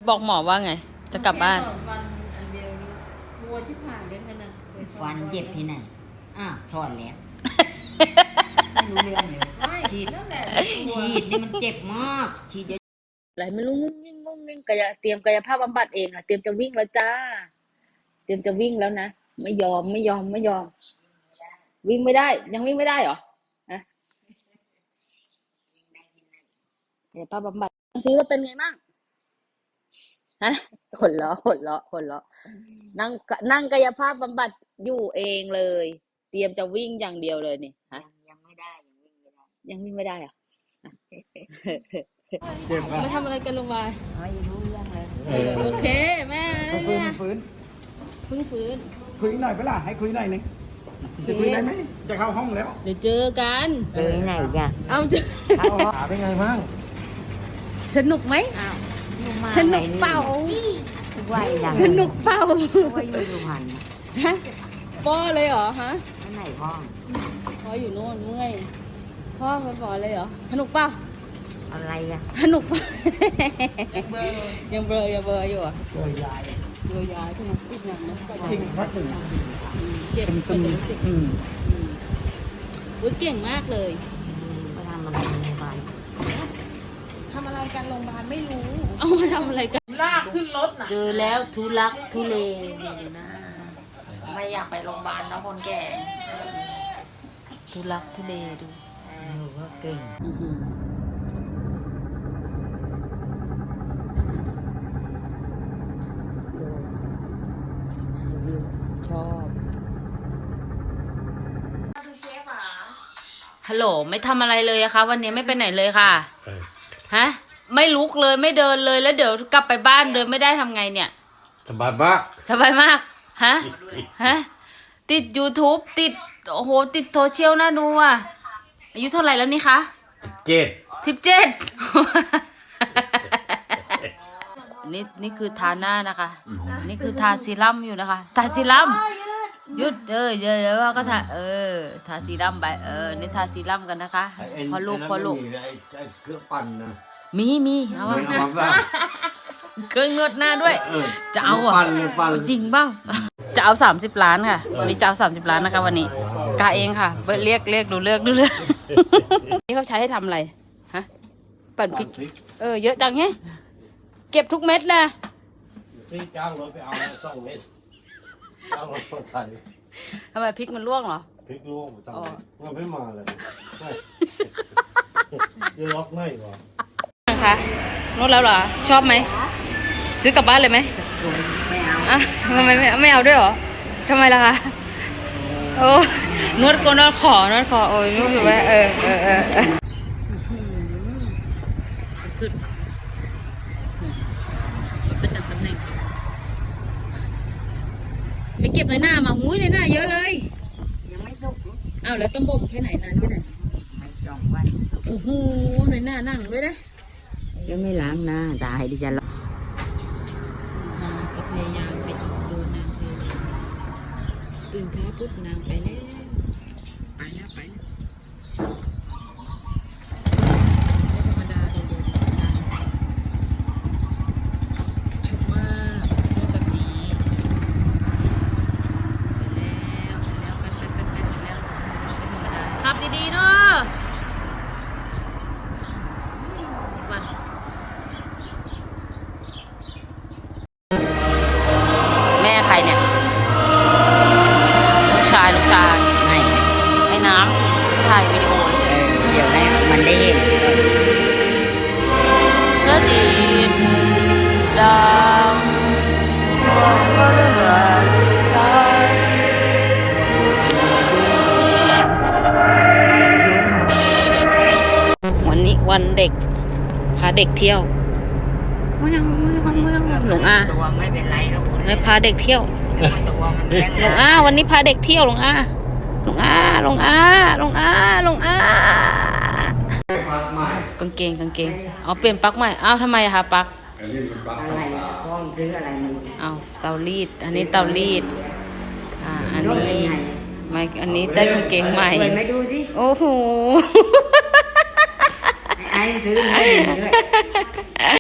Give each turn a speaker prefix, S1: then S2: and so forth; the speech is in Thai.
S1: บอกหมอว่าไงจะกลับบ้าน
S2: วันอันเดียวกลัวชิบหายเลยกันนะ
S3: ฟันเจ็บที่ไหนถอนแล้วไม่รู้เรื่องเลยฉีดนี่มันเจ็บมากฉีดเยอะ
S1: อะไรไม่รู้งุ้งงิ้งกายเตรียมกายภาพบำบัดเองเตรียมจะวิ่งแล้วจ้าเตรียมจะวิ่งแล้วนะไม่ยอมวิ่งไม่ได้ยังวิ่งไม่ได้เหรอฮะกายภาพบำบัดทีว่าเป็นไงบ้างฮะหัวเราะนั่งกายภาพบำบัดอยู่เองเลยเตรียมจะวิ่งอย่างเดียวเลยนี่ฮะ
S3: ยังไม่ได้
S1: ยังวิ่งไม่ได้เหรอ
S4: เจ็บป่ะ
S1: มาทำอะไรกันลงมา
S3: ไม่รู้เรื่องเลย
S1: โอเคแม่
S4: ฟื้น
S1: เพิ่งฟื้น
S4: คุยหน่อยเปล่าให้คุยหน่อยนึงจะคุยได้ไหมจะเข้าห้องแล้ว
S1: เดี๋ยวเจอกัน
S3: เจอไหนกัน
S1: เอาเจอ
S4: ขาเป็นไงบ้าง
S1: สนุกไหมสนุกเปล่าสนุกเปล่า
S3: ว่าอยู่สุพรรณ
S1: ป้อเลยเหรอฮะ
S3: ไหนพ่
S1: ออยู่โน่นเมื่อยพ่อไปปอเลยเหรอสนุกเปล่า
S3: อะไร
S1: สนุกป่ะยังเบลออยู่อ่ะเบลอยาใช่ไหมติดหนักนะ
S4: จริงพักหนึ่ง
S1: เจ็บเป็นรู้สึกเก่งมากเลย
S3: มาทำอะไรในโรงพยาบาล
S2: ทำอะไรกันโรงพยาบาลไม่รู้
S1: เอามาทำอะไรกัน
S2: ลากขึ้นรถน่ะ
S1: เจอแล้วทุลักทุเลนะ
S3: ไม่อยากไปโรงพยาบาลนะคนแก่
S1: ทุลักทุเลดู
S3: ก็เก่ง
S1: ชอบฮัลโหลไม่ทำอะไรเลยอะคะวันนี้ไม่ไปไหนเลยค่ะฮะไม่ลุกเลยไม่เดินเลยแล้วเดี๋ยวกลับไปบ้านเดินไม่ได้ทำไงเนี่ย
S4: สบายมาก
S1: ฮะติด YouTube ติดโอ้โหติดโซเชียลน่าดูอ่ะอายุเท่าไหร่แล้วนี่คะ17นี่คือทาหน้านะคะนี่คือทาซีรั่มอยู่นะคะทาซีรั่มยุดเดี๋ยวว่าก็ทาทาซีรั่มไปนี่ทาซีรั่มกันนะคะพอลูกเค
S4: รื่องปั่นนะ
S1: มีเอาวะเครื่องนวดหน้าด้วยจะเอาอ่ะจริงเปล่าจะเอา30 ล้านค่ะวันนี้จะเอา30 ล้านนะคะวันนี้กาเองค่ะเรียกดูเลือกนี่เขาใช้ให้ทำอะไรฮะปั่นพริกเยอะจังแฮะเก็บทุกเม็ดนะ
S4: ที่จ้างรถไปเอา2 เม็ดจ้างรถใส่
S1: ทำไมพริกมันร่วงเหรอ
S4: พริกร่วงจังมันไม่มาเลยจะล็อกไม่หรอ
S1: คะนวดแล้วเหรอชอบไหมซื้อกลับบ้านเลยไหม
S3: ไม่เอา
S1: ทำไมไม่เอาด้วยเหรอทำไมล่ะคะโอ้นวดขอโอ้ยนวดอยู่ไหมสุดเป็นตำแหน่งไปเก็บในหน้ามาหุ้ยในหน้าเยอะเลย
S3: ยังไม่สุก
S1: แล้วต้องบ่มแค่ไหนนานแค่ไหน
S3: ไม่2 วัน
S1: โอ้โหในหน้านั่งด้วยนะ
S3: ยังไม่ล้างหน้าตายดิจะ
S1: จะพยายามไปดูนางเลยตื่นเช้าปุ๊บนางไปแล้วธรรมดาเลยชอบมากเสื้อแบบนี้ไปแล้วไปแล้วขับดีๆเนาะแม่ใครเนี่ยลูกชายไอ้น้ำถ่ายวิดีโอ
S3: เดี๋ยวให้มันได้เห็น
S1: สดิดดังวันนี้วันเด็กพาเด็กเที่ยวหลวงอา
S3: ตัวไม่เป็นไรครับ
S1: เลยพาเด็กเที่ยวหลวงอาวันนี้พาเด็กเที่ยวหลวงอากางเกงเอาเปลี่ยนปลั๊กใหม่ทำไมคะปลั๊ก
S3: อะไรพ่อซื้ออะไรมัน
S1: เตารีดอันนี้เตารีดอันนี้ไม่อันนี้ได้กางเกงใหม่
S3: ไม่ดูสิ
S1: โอ้โห
S3: ไอ้ซื้อให้ด้วย